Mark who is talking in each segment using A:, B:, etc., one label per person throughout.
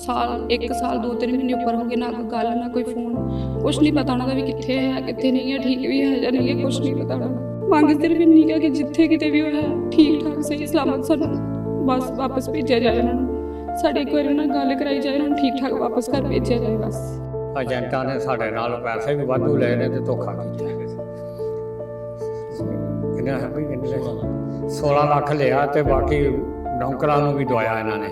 A: 1 ਸਾਲ 2-3 ਮਹੀਨੇ ਉੱਪਰ ਹੋ ਗਏ, ਨਾ ਕੋਈ ਗੱਲ ਨਾ ਕੋਈ ਫੋਨ, ਕੁਛ ਨਹੀਂ ਪਤਾ ਉਹਨਾਂ ਦਾ ਵੀ ਕਿੱਥੇ ਹੈ ਕਿੱਥੇ ਨਹੀਂ ਹੈ, ਠੀਕ ਵੀ ਹੈ ਜਾਂ ਨਹੀਂ ਹੈ, ਕੁਛ ਨਹੀਂ ਪਤਾ ਉਹਨਾਂ ਦਾ। ਮੰਗ ਸਿਰਫ ਇੰਨੀ ਕੁ ਹੈ ਕਿ ਜਿੱਥੇ ਕਿਤੇ ਵੀ ਉਹ ਹੈ ਠੀਕ ਠਾਕ ਸਹੀ ਸਲਾਮਤ ਸਾਨੂੰ ਬਸ ਵਾਪਸ ਭੇਜਿਆ ਜਾਏ ਉਹਨਾਂ ਨੂੰ। ਸਾਡੇ ਇੱਕ ਵਾਰੀ ਉਹਨਾਂ ਨਾਲ ਗੱਲ ਕਰਾਈ ਜਾਏ, ਉਹਨਾਂ ਨੂੰ ਠੀਕ ਠਾਕ ਵਾਪਸ ਘਰ ਭੇਜਿਆ ਜਾਏ ਬਸ।
B: ਏਜੰਟਾਂ ਨੇ ਸਾਡੇ ਨਾਲ ਪੈਸੇ ਵੀ ਵਾਧੂ ਲਏ ਨੇ ਤੇ ਧੋਖਾ ਕੀਤਾ। ਕਿੰਨਾ ਹੈ ਵੀ ਕਿੰਨੇ 16 ਲੱਖ ਲਿਆ ਤੇ ਬਾਕੀ ਨੌਕਰਾਂ ਨੂੰ ਵੀ ਦਵਾਇਆ ਇਹਨਾਂ ਨੇ।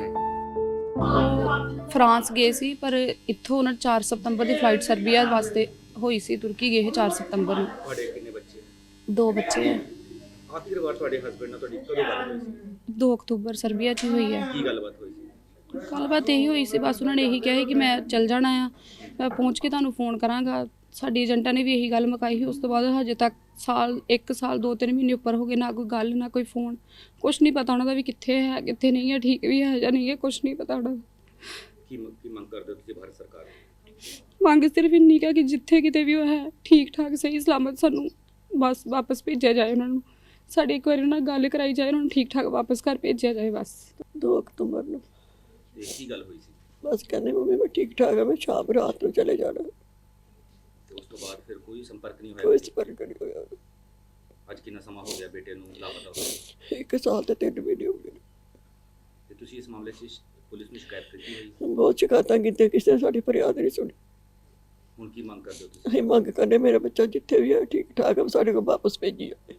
A: ਫਰਾਂਸ ਗਏ ਸੀ ਪਰ ਇੱਥੋਂ ਉਹਨਾਂ 4 ਸਤੰਬਰ ਦੀ ਫਲਾਈਟ ਸਰਬੀਆ ਵਾਸਤੇ ਹੋਈ ਸੀ, ਤੁਰਕੀ ਗਏ 4 ਸਤੰਬਰ ਨੂੰ।
C: ਤੁਹਾਡੇ ਕਿੰਨੇ ਬੱਚੇ?
A: 2 ਬੱਚੇ ਹੈ।
C: ਆਖਿਰ ਵਾਰ ਤੁਹਾਡੇ ਹਸਬੰਡ ਨਾਲ ਤੁਹਾਡੀ ਕਦੋਂ ਗੱਲ ਹੋਈ ਸੀ?
A: 2 ਅਕਤੂਬਰ ਸਰਬੀਆ 'ਚ ਹੋਈ ਹੈ।
C: ਕੀ ਗੱਲਬਾਤ ਹੋਈ ਸੀ?
A: ਗੱਲਬਾਤ ਇਹੀ ਹੋਈ ਸੀ, ਬਸ ਉਹਨਾਂ ਨੇ ਇਹੀ ਕਿਹਾ ਸੀ ਕਿ ਮੈਂ ਚੱਲ ਜਾਣਾ ਆ, ਮੈਂ ਪਹੁੰਚ ਕੇ ਤੁਹਾਨੂੰ ਫੋਨ ਕਰਾਂਗਾ। ਸਾਡੀ ਏਜੰਟਾਂ ਨੇ ਵੀ ਇਹੀ ਗੱਲ ਮੁਕਾਈ ਸੀ। ਉਸ ਤੋਂ ਬਾਅਦ ਹਜੇ ਤੱਕ 1 ਸਾਲ 2-3 ਮਹੀਨੇ ਉੱਪਰ ਹੋ ਗਏ, ਨਾ ਕੋਈ ਗੱਲ ਨਾ ਕੋਈ ਫੋਨ, ਕੁਛ ਨਹੀਂ ਪਤਾ ਉਹਨਾਂ ਦਾ ਵੀ ਕਿੱਥੇ ਹੈ ਕਿੱਥੇ ਨਹੀਂ ਹੈ, ਠੀਕ ਵੀ ਹੈ ਜਾਂ ਨਹੀਂ ਹੈ, ਕੁਛ ਨਹੀਂ ਪਤਾ ਉਹਨਾਂ ਦਾ।
C: ਕੀ ਮੰਗ ਕਰਦੇ ਹੋ ਤੁਸੀਂ ਭਾਰਤ ਸਰਕਾਰ ਤੋਂ?
A: ਮੰਗ ਸਿਰਫ ਇੰਨੀ ਕੁ ਹੈ ਕਿ ਜਿੱਥੇ ਕਿਤੇ ਵੀ ਉਹ ਹੈ ਠੀਕ ਠਾਕ ਸਹੀ ਸਲਾਮਤ ਸਾਨੂੰ ਬਸ ਵਾਪਸ ਭੇਜਿਆ ਜਾਏ ਉਹਨਾਂ ਨੂੰ। ਸਾਡੀ ਇੱਕ ਵਾਰੀ ਉਹਨਾਂ ਨਾਲ ਗੱਲ ਕਰਾਈ ਜਾਏ, ਉਹਨਾਂ ਨੂੰ ਠੀਕ ਠਾਕ ਵਾਪਸ ਘਰ ਭੇਜਿਆ ਜਾਏ ਬਸ।
D: 2 ਅਕਤੂਬਰ ਨੂੰ
C: ਤੇ ਕੀ ਗੱਲ ਹੋਈ ਸੀ?
D: ਬਸ ਕਹਿੰਦੇ ਮੰਮੀ ਮੈਂ ਠੀਕ ਠਾਕ ਹਾਂ, ਮੈਂ ਸ਼ਾਮ ਰਾਤ ਨੂੰ ਚਲੇ ਜਾਣਾ।
C: ਤੇ ਉਸ ਤੋਂ ਬਾਅਦ ਫਿਰ ਕੋਈ ਸੰਪਰਕ ਨਹੀਂ
D: ਕੋਈ
C: ਹੋਇਆ?
D: ਸੰਪਰਕ ਨਹੀਂ ਹੋਇਆ।
C: ਅੱਜ ਕਿੰਨਾ ਸਮਾਂ ਹੋ ਗਿਆ ਬੇਟੇ ਨੂੰ ਲਾਪਤਾ ਹੋਏ?
D: 1 ਸਾਲ ਤੇ 3 ਮਹੀਨੇ ਹੋ ਗਏ।
C: ਤੇ ਤੁਸੀਂ ਇਸ ਮਾਮਲੇ 'ਚ ਪੁਲਿਸ ਨੂੰ ਸ਼ਿਕਾਇਤ ਕੀਤੀ ਹੋਈ?
D: ਬਹੁਤ ਸ਼ਿਕਾਇਤਾਂ ਕੀਤੀਆਂ, ਕਿਸੇ ਨੇ ਸਾਡੀ ਫਰਿਆਦ ਨਹੀਂ ਸੁਣੀ।
C: ਹੁਣ ਕੀ ਮੰਗ ਕਰਦੇ ਹੋ ਤੁਸੀਂ?
D: ਅਸੀਂ ਮੰਗ ਕਰਨੇ ਮੇਰਾ ਬੱਚਾ ਜਿੱਥੇ ਵੀ ਹੈ ਠੀਕ ਠਾਕ ਹੈ, ਸਾਡੇ ਕੋਲ ਵਾਪਸ ਭੇਜੀ ਜਾਵੇ।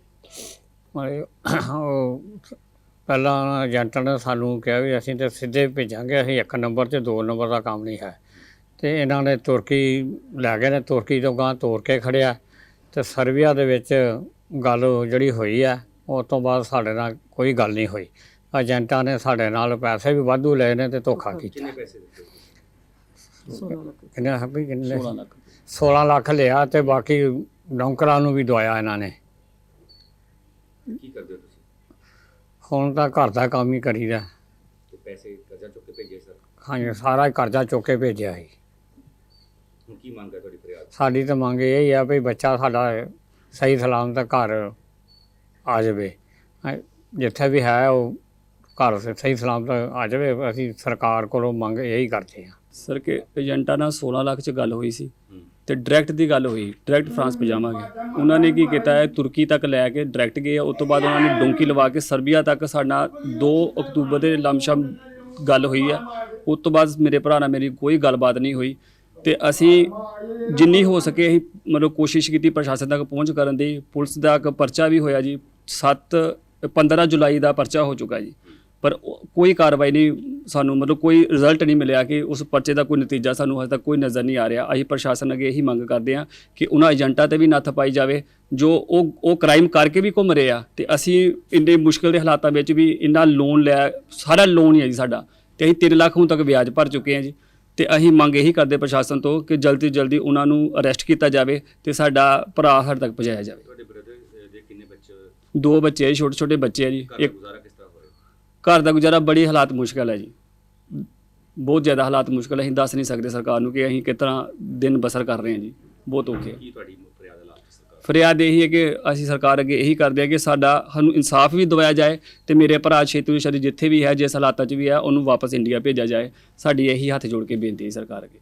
B: ਉਹ ਪਹਿਲਾਂ ਏਜੰਟਾਂ ਨੇ ਸਾਨੂੰ ਕਿਹਾ ਵੀ ਅਸੀਂ ਤਾਂ ਸਿੱਧੇ ਭੇਜਾਂਗੇ, ਅਸੀਂ 1 ਨੰਬਰ 'ਚ 2 ਨੰਬਰ ਦਾ ਕੰਮ ਨਹੀਂ ਹੈ। ਤੇ ਇਹਨਾਂ ਨੇ ਤੁਰਕੀ ਲੈ ਗਏ ਨੇ, ਤੁਰਕੀ ਤੋਂ ਗਾਂ ਤੋਰ ਕੇ ਖੜਿਆ ਤੇ ਸਰਬੀਆ ਦੇ ਵਿੱਚ ਗੱਲ ਜਿਹੜੀ ਹੋਈ ਹੈ ਉਸ ਤੋਂ ਬਾਅਦ ਸਾਡੇ ਨਾਲ ਕੋਈ ਗੱਲ ਨਹੀਂ ਹੋਈ। ਏਜੰਟਾਂ ਨੇ ਸਾਡੇ ਨਾਲ ਪੈਸੇ ਵੀ ਵਾਧੂ ਲਏ ਨੇ ਤੇ ਧੋਖਾ ਕੀਤਾ।
C: ਕਿੰਨੇ ਪੈਸੇ ਦਿੱਤੇ?
B: ਕਿੰਨਾ ਹੈ ਵੀ ਕਿੰਨੇ 16 ਲੱਖ ਲਿਆ ਤੇ ਬਾਕੀ ਨੌਕਰਾਂ ਨੂੰ ਵੀ ਦਵਾਇਆ ਇਹਨਾਂ ਨੇ।
C: ਕੀ ਕਰਦੇ ਹੋ ਤੁਸੀਂ?
B: ਹੁਣ ਤਾਂ ਘਰ ਦਾ ਕੰਮ ਹੀ ਕਰੀਦਾ।
C: ਤੇ ਪੈਸੇ ਕਰਜ਼ਾ ਚੁੱਕ ਕੇ ਭੇਜੇ ਸਰ?
B: ਹਾਂਜੀ, ਸਾਰਾ ਹੀ ਕਰਜ਼ਾ ਚੁੱਕ ਕੇ ਭੇਜਿਆ ਸੀ।
C: ਹੁਣ ਕੀ ਮੰਗ ਹੈ ਤੁਹਾਡੀ ਫਰਿਆਦ?
B: ਸਾਡੀ ਤਾਂ ਮੰਗ ਇਹ ਹੀ ਆ ਵੀ ਬੱਚਾ ਸਾਡਾ ਸਹੀ ਸਲਾਮਤ ਘਰ ਆ ਜਾਵੇ, ਜਿੱਥੇ ਵੀ ਹੈ ਉਹ ਘਰ ਸਹੀ ਸਲਾਮਤ ਆ ਜਾਵੇ। ਅਸੀਂ ਸਰਕਾਰ ਕੋਲੋਂ ਮੰਗ ਇਹੀ ਕਰਦੇ ਹਾਂ
E: ਸਰ ਕਿ ਏਜੰਟਾਂ ਨਾਲ 16 ਲੱਖ 'ਚ ਗੱਲ ਹੋਈ ਸੀ ਤੇ ਡਾਇਰੈਕਟ ਦੀ ਗੱਲ ਹੋਈ, ਡਾਇਰੈਕਟ ਫਰਾਂਸ ਪਜਾਵਾਂਗੇ। ਉਹਨਾਂ ਨੇ ਕੀ ਕੀਤਾ ਹੈ, ਤੁਰਕੀ ਤੱਕ ਲੈ ਕੇ ਡਾਇਰੈਕਟ ਗਏ। ਉਸ ਤੋਂ ਬਾਅਦ ਉਹਨਾਂ ਨੇ ਡੋਂਕੀ ਲਵਾ ਕੇ ਸਰਬੀਆ ਤੱਕ ਸਾਡਾ 2 ਅਕਤੂਬਰ ਦੇ ਲਮਸ਼ਮ ਗੱਲ ਹੋਈ ਹੈ। ਉਸ ਤੋਂ ਬਾਅਦ ਮੇਰੇ ਭਰਾ ਨਾਲ ਮੇਰੀ ਕੋਈ ਗੱਲਬਾਤ ਨਹੀਂ ਹੋਈ ਤੇ ਅਸੀਂ ਜਿੰਨੀ ਹੋ ਸਕੇ ਅਸੀਂ ਮਤਲਬ ਕੋਸ਼ਿਸ਼ ਕੀਤੀ ਪ੍ਰਸ਼ਾਸਨ ਤੱਕ ਪਹੁੰਚ ਕਰਨ ਦੀ। ਪੁਲਿਸ ਦਾ ਇੱਕ ਪਰਚਾ ਵੀ ਹੋਇਆ ਜੀ, 15 ਜੁਲਾਈ ਦਾ ਪਰਚਾ ਹੋ ਚੁੱਕਾ ਜੀ, ਪਰ ਕੋਈ ਕਾਰਵਾਈ ਨਹੀਂ, ਸਾਨੂੰ ਮਤਲਬ ਕੋਈ ਰਿਜ਼ਲਟ ਨਹੀਂ ਮਿਲਿਆ ਕਿ ਉਸ ਪਰਚੇ ਦਾ ਕੋਈ ਨਤੀਜਾ ਸਾਨੂੰ ਹਜੇ ਤੱਕ ਕੋਈ ਨਜ਼ਰ ਨਹੀਂ ਆ ਰਿਹਾ। ਅਸੀਂ ਪ੍ਰਸ਼ਾਸਨ ਅੱਗੇ ਇਹੀ ਮੰਗ ਕਰਦੇ ਹਾਂ ਕਿ ਉਹਨਾਂ ਏਜੰਟਾਂ 'ਤੇ ਵੀ ਨੱਥ ਪਾਈ ਜਾਵੇ ਜੋ ਉਹ ਕ੍ਰਾਈਮ ਕਰਕੇ ਵੀ ਘੁੰਮ ਰਹੇ ਆ। ਤੇ ਅਸੀਂ ਇੰਨੇ ਮੁਸ਼ਕਿਲ ਦੇ ਹਾਲਾਤਾਂ ਵਿੱਚ ਵੀ ਇੰਨਾ ਲੋਨ ਲਿਆ, ਸਾਰਾ ਲੋਨ ਹੀ ਹੈ ਜੀ ਸਾਡਾ, ਤੇ ਅਸੀਂ 3 ਲੱਖ ਹੁਣ ਤੱਕ ਵਿਆਜ ਭਰ ਚੁੱਕੇ ਹਾਂ ਜੀ। ਤੇ ਅਸੀਂ ਮੰਗ ਇਹੀ ਕਰਦੇ ਪ੍ਰਸ਼ਾਸਨ ਤੋਂ ਕਿ ਜਲਦੀ ਤੋਂ ਜਲਦੀ ਉਹਨਾਂ ਨੂੰ ਅਰੈਸਟ ਕੀਤਾ ਜਾਵੇ ਤੇ ਸਾਡਾ ਭਰਾ ਸਾਡੇ ਤੱਕ ਪਹੁੰਚਾਇਆ ਜਾਵੇ।
C: ਤੁਹਾਡੇ ਬ੍ਰਦਰ ਦੇ ਕਿੰਨੇ ਬੱਚੇ?
E: 2 ਬੱਚੇ ਹੈ, ਛੋਟੇ ਛੋਟੇ ਬੱਚੇ ਹੈ ਜੀ।
C: ਘਰ ਦਾ
E: ਇੱਕ
C: ਗੁਜ਼ਾਰਾ ਕਿਸ ਤਰ੍ਹਾਂ ਹੋ ਰਿਹਾ?
E: ਘਰ ਦਾ ਗੁਜ਼ਾਰਾ ਬੜੀ ਹਾਲਾਤ ਮੁਸ਼ਕਲ ਹੈ ਜੀ, ਬਹੁਤ ਜ਼ਿਆਦਾ ਹਾਲਾਤ ਮੁਸ਼ਕਲ ਹੈ। ਅਸੀਂ ਦੱਸ ਨਹੀਂ ਸਕਦੇ ਸਰਕਾਰ ਨੂੰ ਕਿ ਅਸੀਂ ਕਿਸ ਤਰ੍ਹਾਂ ਦਿਨ ਬਸਰ ਕਰ ਰਹੇ ਹਾਂ ਜੀ, ਬਹੁਤ ਔਖੇ।
C: ਕੀ ਤੁਹਾਡੀ ਫਰਿਆਦ ਲਾਸਟ ਸਰਕਾਰ?
E: ਫਰਿਆਦ ਇਹੀ ਹੈ ਕਿ ਅਸੀਂ ਸਰਕਾਰ ਅੱਗੇ ਇਹੀ ਕਰਦੇ ਹਾਂ ਕਿ ਸਾਨੂੰ ਇਨਸਾਫ ਵੀ ਦਿਵਾਇਆ ਜਾਏ ਤੇ ਮੇਰੇ ਭਰਾ ਛੇਤੀ ਜਿੱਥੇ ਵੀ ਹੈ, ਜਿਸ ਹਾਲਾਤਾਂ 'ਚ ਵੀ ਹੈ, ਉਹਨੂੰ ਵਾਪਸ ਇੰਡੀਆ ਭੇਜਿਆ ਜਾਏ। ਸਾਡੀ ਇਹੀ ਹੱਥ ਜੋੜ ਕੇ ਬੇਨਤੀ ਹੈ ਸਰਕਾਰ ਅੱਗੇ।